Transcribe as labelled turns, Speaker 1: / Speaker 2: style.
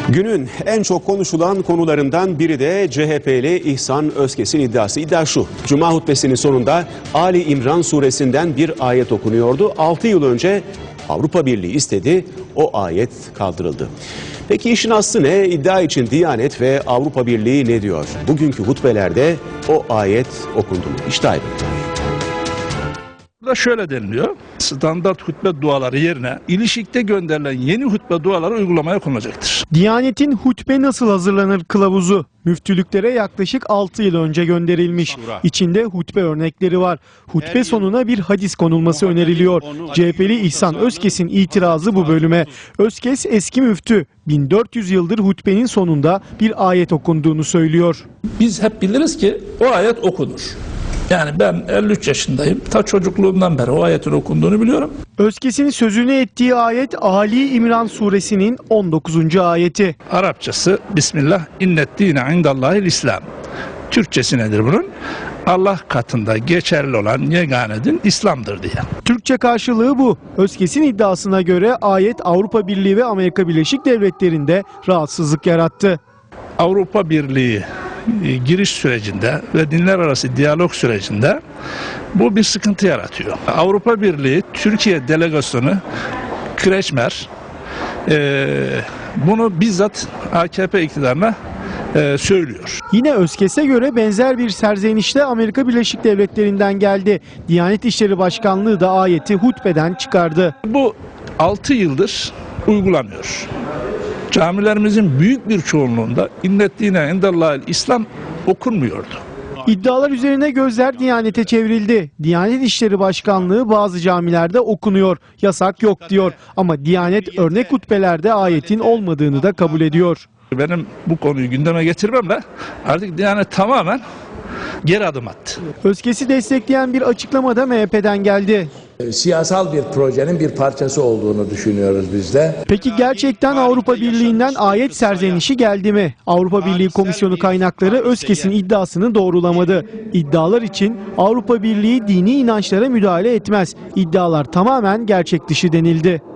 Speaker 1: Günün en çok konuşulan konularından biri de CHP'li İhsan Özkes'in iddiası. İddia şu: Cuma hutbesinin sonunda Ali İmran suresinden bir ayet okunuyordu. 6 yıl önce Avrupa Birliği istedi, o ayet kaldırıldı. Peki işin aslı ne? İddia için Diyanet ve Avrupa Birliği ne diyor? Bugünkü hutbelerde o ayet okundu mu? İşte ayrıntı.
Speaker 2: Burada şöyle deniliyor: standart hutbe duaları yerine ilişikte gönderilen yeni hutbe duaları uygulamaya konulacaktır.
Speaker 3: Diyanet'in hutbe nasıl hazırlanır kılavuzu müftülüklere yaklaşık 6 yıl önce gönderilmiş. İçinde hutbe örnekleri var. Hutbe sonuna bir hadis konulması öneriliyor. CHP'li İhsan Özkes'in itirazı bu bölüme. Özkes eski müftü, 1400 yıldır hutbenin sonunda bir ayet okunduğunu söylüyor.
Speaker 2: Biz hep biliriz ki o ayet okunur. Yani ben 53 yaşındayım. Ta çocukluğumdan beri o ayetin okunduğunu biliyorum.
Speaker 3: Özkes'in sözünü ettiği ayet Ali İmran suresinin 19. ayeti.
Speaker 2: Arapçası Bismillah inneddine indallahil İslam. Türkçesi nedir bunun? Allah katında geçerli olan yegane din İslam'dır diye.
Speaker 3: Türkçe karşılığı bu. Özkes'in iddiasına göre ayet Avrupa Birliği ve Amerika Birleşik Devletleri'nde rahatsızlık yarattı.
Speaker 2: Avrupa Birliği giriş sürecinde ve dinler arası diyalog sürecinde bu bir sıkıntı yaratıyor. Avrupa Birliği Türkiye delegasyonu Kreçmer bunu bizzat AKP iktidarına söylüyor.
Speaker 3: Yine Özkes'e göre benzer bir serzenişte Amerika Birleşik Devletleri'nden geldi. Diyanet İşleri Başkanlığı da ayeti hutbeden çıkardı.
Speaker 2: Bu 6 yıldır uygulanıyor. Camilerimizin büyük bir çoğunluğunda inneddine indallahil İslam okunmuyordu.
Speaker 3: İddialar üzerine gözler Diyanet'e çevrildi. Diyanet İşleri Başkanlığı bazı camilerde okunuyor, yasak yok diyor. Ama Diyanet örnek hutbelerde ayetin olmadığını da kabul ediyor.
Speaker 2: Benim bu konuyu gündeme getirmemle artık Diyanet tamamen geri adım attı.
Speaker 3: Özkes'i destekleyen bir açıklama da MHP'den geldi.
Speaker 4: Siyasal bir projenin bir parçası olduğunu düşünüyoruz biz de.
Speaker 3: Peki gerçekten Avrupa Birliği'nden ayet serzenişi geldi mi? Avrupa Birliği Komisyonu kaynakları Özkes'in iddiasını doğrulamadı. İddialar için Avrupa Birliği dini inançlara müdahale etmez. İddialar tamamen gerçek dışı denildi.